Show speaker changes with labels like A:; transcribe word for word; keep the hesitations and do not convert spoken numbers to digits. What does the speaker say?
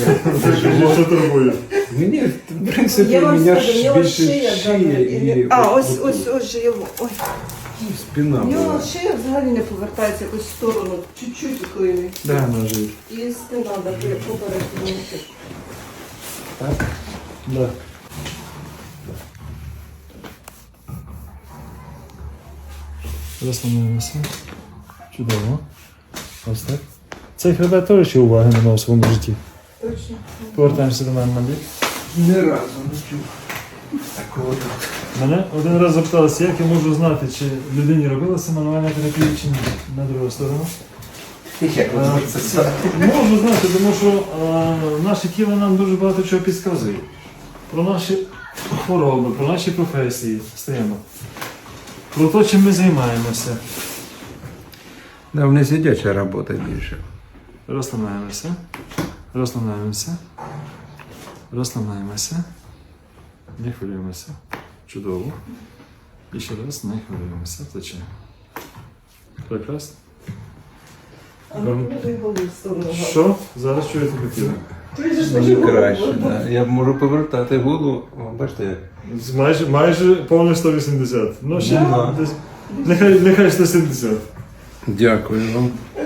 A: Що турбує?
B: Мені, в принципі,
C: Я вам
B: мене
C: скажу, в
B: ж
C: нього
B: більше
C: шия,
B: шия
C: да,
B: і
C: а,
B: от-
C: ось, ось, ось же його, ой.
B: і спина
C: У нього
B: була.
C: шия взагалі не повертається якось в сторону, чуть-чуть клинить.
A: Де ножі?
C: І спина, так, як попередньо.
B: Так?
A: Да. Розслабляємося. Чудово. Ось так. Цей хребет теж ще уваги не мав у своєму житті.
C: Точно.
A: Повертаємося до мене на бік.
B: Ні разу не чув такого тут.
A: Мене один раз запиталися, як я можу знати, чи людині робилася мануальна терапія чи ні. На другу сторону.
B: Як ви
A: Е,
B: можете знати?
A: Можу знати, тому що е, наше тіло нам дуже багато чого підказує. Про наші хвороби, про наші професії стаємо. Про те, чим ми займаємося.
B: Да, в не сидяча робота більше.
A: Розслабляємося. Розслабляємося. Розслабляємося. Не хвилюємося. Чудово. І ще раз не хвилюємося. Плече. Прекрасно.
C: А ну, може, голову в сторону.
A: Що? Зараз чуєте хотіли?
B: Дуже краще, да. Я можу повертати голову. О, бачите, як.
A: Майже, майже повне сто вісімдесят. Ну ще
B: Да.
A: десь. Нехай, нехай сто сімдесят.
B: Дякую вам.